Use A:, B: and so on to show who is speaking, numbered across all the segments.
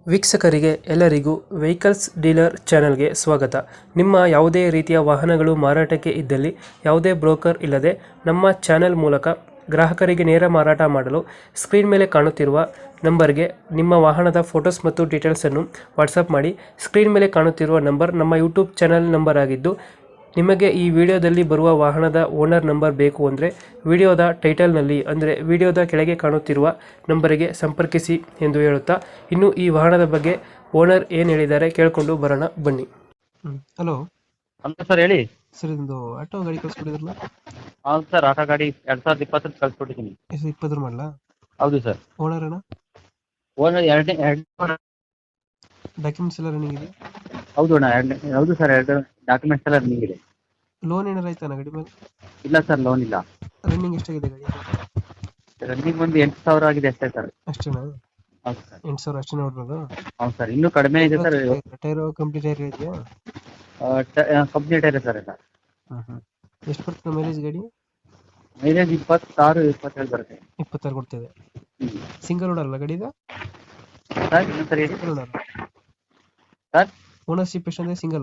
A: ವೀಕ್ಷಕರಿಗೆ ಎಲ್ಲರಿಗೂ vehicles dealer ಚಾನೆಲ್ಗೆ ಸ್ವಾಗತ. ನಿಮ್ಮ ಯಾವುದೇ ರೀತಿಯ ವಾಹನಗಳು ಮಾರಾಟಕ್ಕೆ ಇದ್ದಲ್ಲಿ ಯಾವುದೇ ಬ್ರೋಕರ್ ಇಲ್ಲದೆ ನಮ್ಮ ಚಾನೆಲ್ ಮೂಲಕ ಗ್ರಾಹಕರಿಗೆ ನೇರ ಮಾರಾಟ ಮಾಡಲು ಸ್ಕ್ರೀನ್ ಮೇಲೆ ಕಾಣುತ್ತಿರುವ ನಂಬರ್ಗೆ ನಿಮ್ಮ ವಾಹನದ ಫೋಟೋಸ್ ಮತ್ತು ಡೀಟೇಲ್ಸನ್ನು ವಾಟ್ಸಪ್ ಮಾಡಿ. ಸ್ಕ್ರೀನ್ ಮೇಲೆ ಕಾಣುತ್ತಿರುವ ನಂಬರ್ ನಮ್ಮ ಯೂಟ್ಯೂಬ್ ಚಾನೆಲ್ ನಂಬರ್ ಆಗಿದ್ದು, ನಿಮಗೆ ಈ ವಿಡಿಯೋದಲ್ಲಿ ಬರುವ ವಾಹನದ ಓನರ್ ನಂಬರ್ ಬೇಕು ಅಂದರೆ ವಿಡಿಯೋದ ಟೈಟಲ್ನಲ್ಲಿ ಅಂದರೆ ವಿಡಿಯೋದ ಕೆಳಗೆ ಕಾಣುತ್ತಿರುವ ನಂಬರಿಗೆ ಸಂಪರ್ಕಿಸಿ ಎಂದು ಹೇಳುತ್ತಾ, ಇನ್ನು ಈ ವಾಹನದ ಬಗ್ಗೆ ಓನರ್ ಏನು ಹೇಳಿದ್ದಾರೆ ಕೇಳಿಕೊಂಡು ಬರೋಣ ಬನ್ನಿ. ಹಲೋ
B: ಅಂತ ಸರ್ ಹೇಳಿ.
A: ಸರ್, ಇದು ಆಟೋ ಗಾಡಿ ಕಳಿಸ್ಕೊಟ್ಟಿದ್ರಲ್ಲ?
B: ಹೌದು ಸರ್, ಆಟೋ ಗಾಡಿ 2020 ಕಳ್ಸಿಕೊಟ್ಟಿದ್ದೀನಿ.
A: 20 ಮಾಡಲ?
B: ಹೌದು ಸರ್.
A: ಓನರ್ ಅಣ್ಣ?
B: ಓನರ್ ಎರಡನೇ
A: ಡಾಕ್ಯುಮೆಂಟ್ಸ್ ಎಲ್ಲ ರನ್ನಿಂಗ್ ಇದೆ?
B: ಹೌದು ಅಣ್ಣ, ಹೌದು ಸರ್, ಎರಡು ಡಾಕ್ಯುಮೆಂಟ್ಸ್ ಎಲ್ಲ ರನ್ನಿಂಗ್ ಇದೆ.
A: ಲೋನ್ ಏನಾರ ಆಯ್ತಾನ ಗಾಡಿ ಮೇಲೆ?
B: ಇಲ್ಲ ಸರ್, ಲೋನ್ ಇಲ್ಲ.
A: ರನ್ನಿಂಗ್ ಎಷ್ಟಾಗಿದೆ ಗಾಡಿ?
B: ರನ್ನಿಂಗ್ ಒಂದು 8,000 ಆಗಿದೆ ಅಷ್ಟೇ ಸರ್.
A: ಅಷ್ಟೇನಾ?
B: ಹೌದು ಸರ್.
A: 8,000 ಅಷ್ಟೇ ನೋಡ್ಬೋದು?
B: ಹೌದು ಸರ್, ಇನ್ನೂ ಕಡಿಮೆ ಇದೆ ಸರ್.
A: ಟೈರ್ ಕಂಪ್ಲೀಟ್ ಟೈರ್ ಇದೆಯಾ?
B: ಕಂಪ್ಲೀಟ್ ಇದೆ ಸರ್ ಎಲ್ಲ.
A: ಎಷ್ಟು ಬರ್ತದೆ ಮೈಲೇಜ್ ಗಾಡಿ?
B: ಮೈಲೇಜ್ 26, 27 ಬರುತ್ತೆ.
A: 26 ಕೊಡ್ತಿದೆ. ಸಿಂಗಲ್ ಓನರ್ ಅಲ್ಲ ಗಾಡಿ ಇದು?
B: ಸರ್ ಇನ್ನೊಂದ್ಸರಿ ಹೇಳಿ.
A: ಸಿಂಗಲ್ ಓನರ್
B: ಸರ್,
A: ಓನರ್ಶಿಪ್ ಎಷ್ಟಂದ್ರೆ ಸಿಂಗಲ್?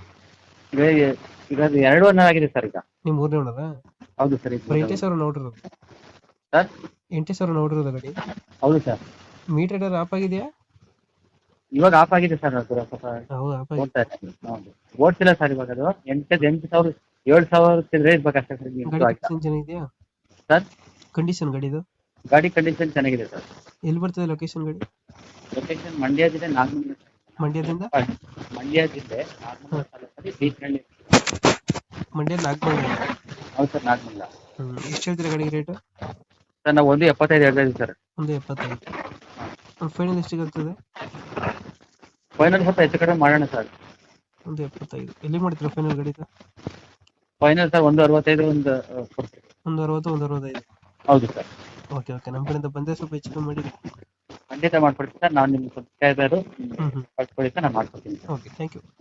B: ಈಗ 2 ಓನರ್ ಆಗಿದೆ ಸರ್ ಈಗ.
A: ನೀವು ಮೂರನೇ ಓನರ?
B: ಹೌದು ಸರ್.
A: ಬರೀ 8,000 ನೋಡಿರೋದು?
B: ಸರ್
A: 8,000 ನೋಡಿರೋದು ಗಾಡಿ?
B: ಹೌದು ಸರ್.
A: ಮೀಟರ್ ಆಫ್ ಆಗಿದೆಯಾ?
B: ಇವಾಗ ಆಫ್ ಆಗಿದೆ ಸರ್, ಅದು ಸ್ವಲ್ಪ
A: ಹೌದು, ಆಫ್ ಆಗಿದೆ.
B: ಓಡ್ತಾ ಇದೆ. ಹೌದು, ಓಡ್ತಿಲ್ಲ ಸರ್ ಇವಾಗ. ಅದು 8,000 7,000 ತಿಂದ್ರೆ ಇರ್ಬೇಕಷ್ಟೇ ಸರ್.
A: ಗಾಡಿ ಕಂಡೀಷನ್ ಚೆನ್ನಾಗಿದೆಯಾ
B: ಸರ್?
A: ಕಂಡೀಷನ್ ಗಾಡಿದು?
B: ಗಾಡಿ ಕಂಡೀಷನ್ ಚೆನ್ನಾಗಿದೆ ಸರ್.
A: ಎಲ್ಲಿ ಬರ್ತದೆ ಲೊಕೇಶನ್ ಗಾಡಿ?
B: ಲೊಕೇಶನ್ ಮಂಡ್ಯ ಜಿಲ್ಲೆ ನಾಗಮಂಗಲ.
A: ಮಂಡ್ಯದಿಂದ?
B: ಮಂಡ್ಯ ಜಿಲ್ಲೆ ನಾಗಮಂಗಲ ತಾಲೂಕಲ್ಲಿ ಬೀಚನಹಳ್ಳಿ.
A: ಮಂಡ್ಯ ನಾಗಮಂಗಲ?
B: ಹೌದು ಸರ್, ನಾಗಮಂಗಲ.
A: ಎಷ್ಟು ಹೇಳ್ತೀರಾ ಗಾಡಿಗೆ ರೇಟ್?
B: ಸರ್ ನಾವು 1.75 ಹೇಳ್ತಾ ಇದ್ದೀವಿ ಸರ್.
A: 1.75. ಫೈನಲ್ ಎಷ್ಟಿಗೆ ಆಗ್ತದೆ?
B: ಫೈನಲ್ ಸ್ವಲ್ಪ ಹೆಚ್ಚು ಕಡಿಮೆ ಮಾಡೋಣ ಸರ್.
A: 1.75 ಎಲ್ಲಿ ಮಾಡ್ತೀರಾ ಫೈನಲ್ ಗಾಡಿದು?
B: ಫೈನಲ್ ಸರ್ 1.65 ಒಂದು ಕೊಡ್ತೀವಿ.
A: 1.60, 1.65?
B: ಹೌದು ಸರ್.
A: ಓಕೆ ಓಕೆ, ನಮ್ಮ ಕಡೆಯಿಂದ ಬಂದರೆ ಸ್ವಲ್ಪ ಹೆಚ್ಚು ಕಮ್ಮಿ ಮಾಡಿ.
B: ಖಂಡಿತ ಮಾಡ್ಕೊಡ್ತೀನಿ ಸರ್. ನಾನು ನಿಮ್ಗೆ ಸಬ್ಸ್ಕ್ರೈಬರು ಕಳ್ಸ್ಕೊಡಿ ಸರ್, ನಾನು ಮಾಡ್ಕೊಡ್ತೀನಿ.
A: Okay, thank you.